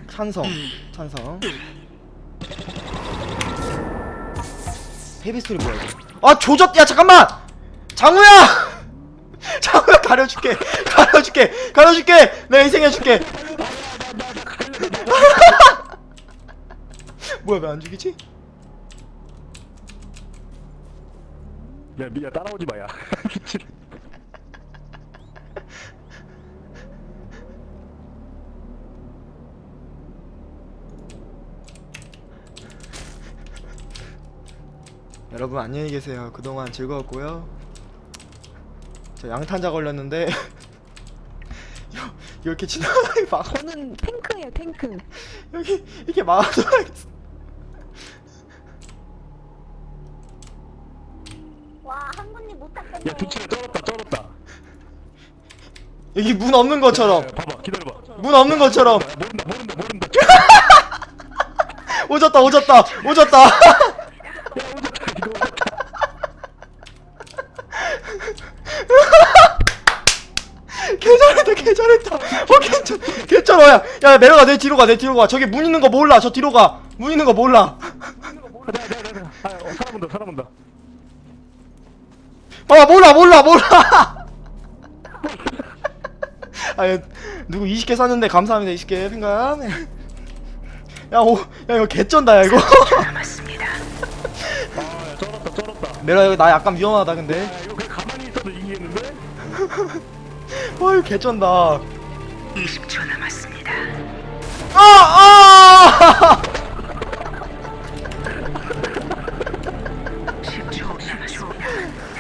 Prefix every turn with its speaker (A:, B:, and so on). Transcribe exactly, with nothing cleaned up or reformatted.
A: 찬성 찬성. 헤비스토리 뭐야 이거. 아 조졌. 야 잠깐만 장우야. 장우야 가려줄게 가려줄게 가려줄게. 내가 희생해줄게. 뭐야 왜 안 죽이지?
B: 야 미야 따라오지 마야.
A: 여러분 안녕히 계세요. 그동안 즐거웠고요. 저 양탄자 걸렸는데 이렇게 지나가게 막
C: 저는 탱크예요, 탱크.
A: 여기 이렇게 막아줘야겠어.
D: 와, 한 분님 못 탔겠네.
B: 야 두치가 쩔었다 쩔었다.
A: 여기 문 없는 것처럼
B: 야, 봐봐 기다려봐.
A: 문 없는 것처럼
B: 모른다 모른다 모른다.
A: 오졌다 오졌다 오졌다.
B: 야 오졌다 이거 오졌다.
A: 개잘했다 개잘했다. 어 괜찮 괜찮아. 야, 야 내려가. 내 뒤로 가. 내 뒤로 가. 저기 문 있는 거 몰라. 저 뒤로 가. 문 있는 거 몰라.
B: 네네네. 아 어, 사람 온다 사람 온다.
A: 아 몰라 몰라 몰라. 아 누구 이십 개 샀는데 감사합니다. 이십 개 생각. 야오 야 이거 개쩐다 야 이거.
B: 아야 쩔었다 쩔었다.
A: 내가 이거 나 약간 위험하다 근데.
B: 야 이거 그냥 가만히 있어도 이기겠는데?
A: 와 이거 개쩐다.
E: 이십 초 남았습니다.
A: 아 아.